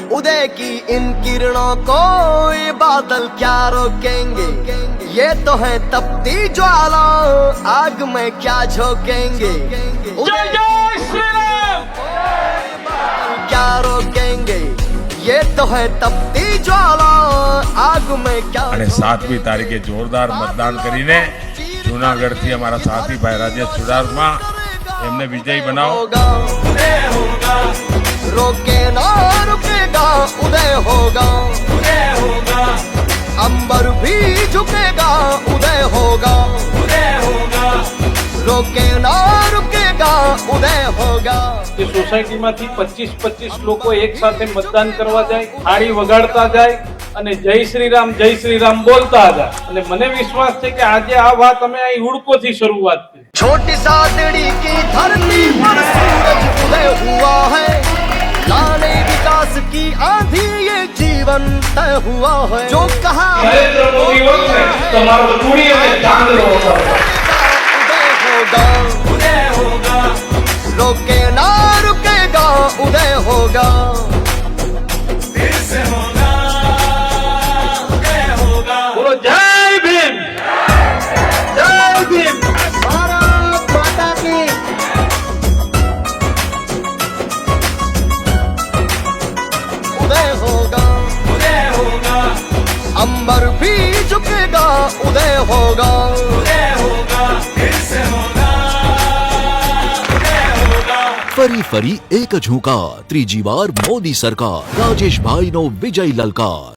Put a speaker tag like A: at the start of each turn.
A: उदय की इन किरणों को ये बादल क्या रोकेंगे। ये तो है तपती ज्वाला, आग में क्या झोंकेंगे।
B: जय जय श्री राम।
A: क्या रोकेंगे, ये तो है तपती ज्वाला, आग में क्या।
C: અને 7મી તારીખે જોરદાર મતદાન કરીને જૂનાગઢથી અમારા સાથી ભાઈ રાજેશ ચુડાસમા એમને વિજયી બનાવો।
A: रोके ना रुकेगा, उदय होगा, अंबर भी झुकेगा, उदय होगा, रोके ना रुकेगा, उदय होगा।
B: એ સોસાયટીમાંથી 25-25 લોકો એક સાથે મતદાન કરવા જાય, થાળી વગાડતા જાય અને જય શ્રી રામ બોલતા જાય। અને મને વિશ્વાસ છે કે આજે આ વાત અમે અહીં હુડકોથી શરૂઆત કરી।
A: छोटी सादड़ी की धरती पर सूरज उदय हुआ है, लाने विकास की आंधी ये जीवन तय हुआ है। जो कहा
B: નરેન્દ્ર મોદી હોત ને તમારો ચૂડી અને ચાંદલો હતો।
A: उदय होगा, रोके ना रुकेगा, उदय होगा, फिर से होगा, उदय होगा।
B: બોલો જય ભીમ, જય ભીમ।
A: भारत माता की। उदय होगा, अंबर भी झुकेगा, उदय होगा, फिर से होगा,
D: ફરી ફરી એક જ હુંકાર, ત્રીજી વાર મોદી સરકાર, રાજેશભાઈનો વિજય લલકાર।